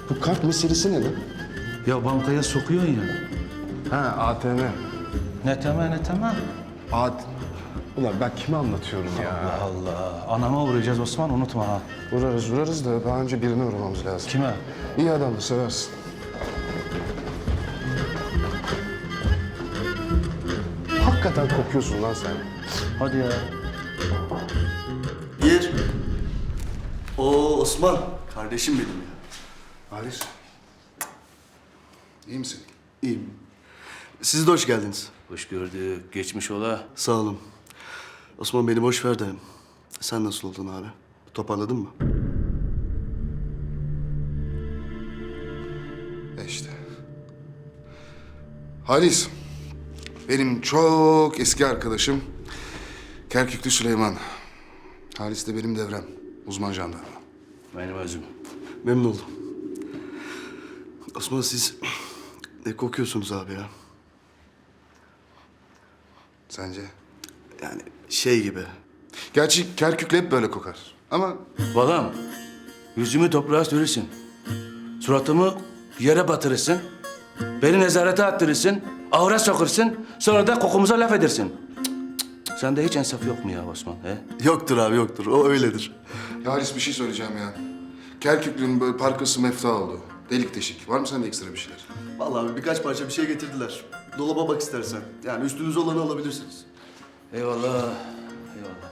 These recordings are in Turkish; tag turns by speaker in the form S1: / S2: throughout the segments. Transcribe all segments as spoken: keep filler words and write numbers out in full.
S1: Bu kart meselesi ne lan?
S2: Ya bankaya sokuyorsun ya.
S1: Ha A T M.
S2: Ne temel ne temel.
S1: A T Ulan ben kime anlatıyorum ya?
S2: Allah Allah. Anama uğrayacağız Osman, unutma ha.
S1: Vurarız vurarız da daha önce birine uğramamız lazım.
S2: Kime?
S1: İyi adamdı, seversin. Hakikaten kokuyorsun lan sen.
S2: Hadi ya.
S3: Gir. Oo Osman, kardeşim benim ya.
S1: Halis. İyi misin?
S3: İyiyim. Siz de hoş geldiniz.
S2: Hoş gördük. Geçmiş ola.
S3: Sağ olun. Osman beni boş ver de. Sen nasıl oldun abi? Toparladın mı?
S1: E işte. Halis. Benim çok eski arkadaşım Kerküklü Süleyman. Halis de benim devrem. Uzman jandarma.
S2: Benim özüm.
S3: Memnun oldum. Osman siz ne kokuyorsunuz abi ya?
S1: Sence?
S3: Yani şey gibi.
S1: Gerçi Kerküklü hep böyle kokar. Ama
S2: Balam, yüzümü toprağa sürürsün. Suratımı yere batırırsın. Beni nezarete attırırsın. Ahıra sokursun. Sonra da kokumuza laf edersin. Cık, cık, cık. Sende hiç insaf yok mu ya Osman? He?
S3: Yoktur abi yoktur. O öyledir.
S1: ya Halis bir şey söyleyeceğim ya. Kerküklü'nün böyle parkası mefta oldu. Delik deşik. Var mı sende ekstra bir şeyler?
S3: Vallahi abi birkaç parça bir şey getirdiler. Dolaba bak istersen. Yani üstünüze olanı alabilirsiniz.
S2: Eyvallah. Eyvallah.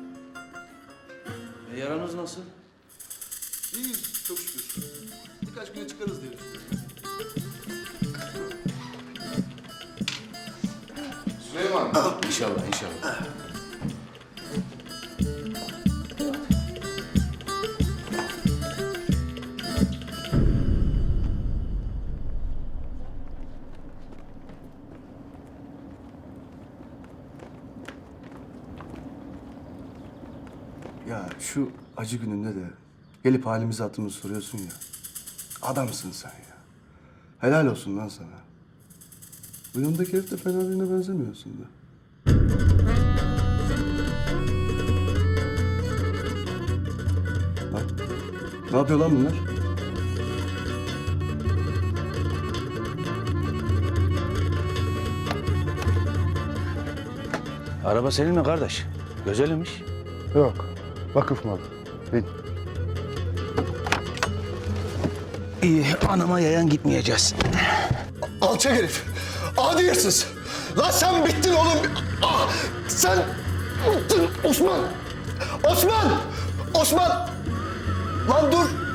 S2: E, yaranız nasıl?
S3: İyiyiz çok şükür. Birkaç güne çıkarız diye düşünüyorum.
S1: Süleyman.
S2: İnşallah, inşallah.
S3: Ya şu acı gününde de gelip halimizi hatırımızı soruyorsun ya. Adamsın sen ya. Helal olsun lan sana. Bu yanındaki herif de fena birine benzemiyorsun da. Bak. Ne yapıyor lan bunlar?
S2: Araba senin mi kardeş? Güzelmiş.
S1: Yok. Vakıf malı. Bin.
S2: İyi, anama yayan gitmeyeceğiz.
S3: Alçak herif. Adi hırsız. Lan sen bittin oğlum. Ah, sen bittin Osman. Osman! Osman! Lan dur.